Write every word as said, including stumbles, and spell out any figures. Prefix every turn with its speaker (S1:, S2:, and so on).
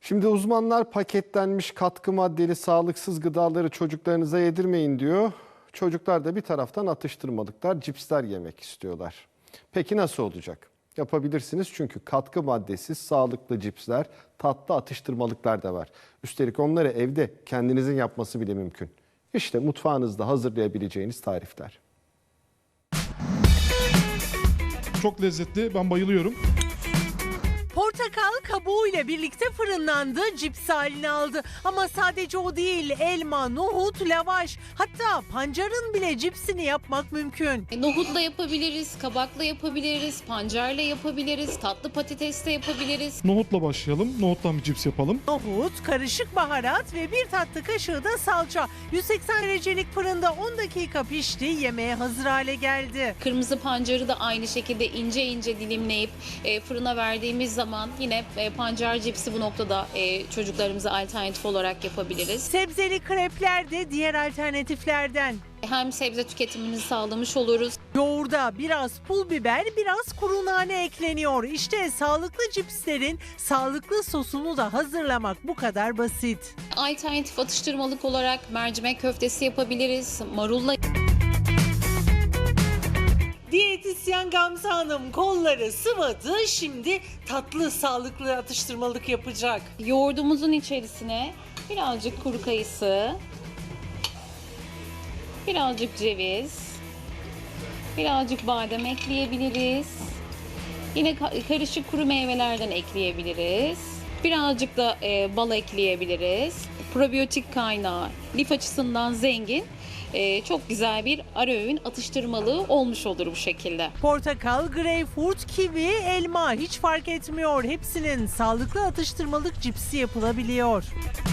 S1: Şimdi uzmanlar paketlenmiş katkı maddeli sağlıksız gıdaları çocuklarınıza yedirmeyin diyor. Çocuklar da bir taraftan atıştırmalıklar, cipsler yemek istiyorlar. Peki nasıl olacak? Yapabilirsiniz çünkü katkı maddesiz sağlıklı cipsler, tatlı atıştırmalıklar da var. Üstelik onları evde kendinizin yapması bile mümkün. İşte mutfağınızda hazırlayabileceğiniz tarifler.
S2: Çok lezzetli, ben bayılıyorum.
S3: Portakal kabuğuyla birlikte fırınlandı, cips halini aldı. Ama sadece o değil, elma, nohut, lavaş, hatta pancarın bile cipsini yapmak mümkün.
S4: Nohutla yapabiliriz, kabakla yapabiliriz, pancarla yapabiliriz, tatlı patatesle yapabiliriz.
S2: Nohutla başlayalım, nohuttan bir cips yapalım.
S3: Nohut, karışık baharat ve bir tatlı kaşığı da salça. yüz seksen derecelik fırında on dakika pişti, yemeğe hazır hale geldi.
S4: Kırmızı pancarı da aynı şekilde ince ince dilimleyip e, fırına verdiğimiz zaman yine e, pancar cipsi bu noktada e, çocuklarımıza alternatif olarak yapabiliriz.
S3: Sebzeli krepler de diğer alternatiflerden.
S4: Hem sebze tüketimini sağlamış oluruz.
S3: Yoğurda biraz pul biber, biraz kuru nane ekleniyor. İşte sağlıklı cipslerin sağlıklı sosunu da hazırlamak bu kadar basit.
S4: Alternatif atıştırmalık olarak mercimek köftesi yapabiliriz, marulla.
S3: Diyetisyen Gamze Hanım kolları sıvadı, şimdi tatlı sağlıklı atıştırmalık yapacak.
S4: Yoğurdumuzun içerisine birazcık kuru kayısı, birazcık ceviz, birazcık badem ekleyebiliriz. Yine karışık kuru meyvelerden ekleyebiliriz. Birazcık da e, bal ekleyebiliriz. Probiyotik kaynağı, lif açısından zengin. Ee, çok güzel bir ara öğün atıştırmalığı olmuş olur bu şekilde.
S3: Portakal, greyfurt, kivi, elma hiç fark etmiyor. Hepsinin sağlıklı atıştırmalık cipsi yapılabiliyor.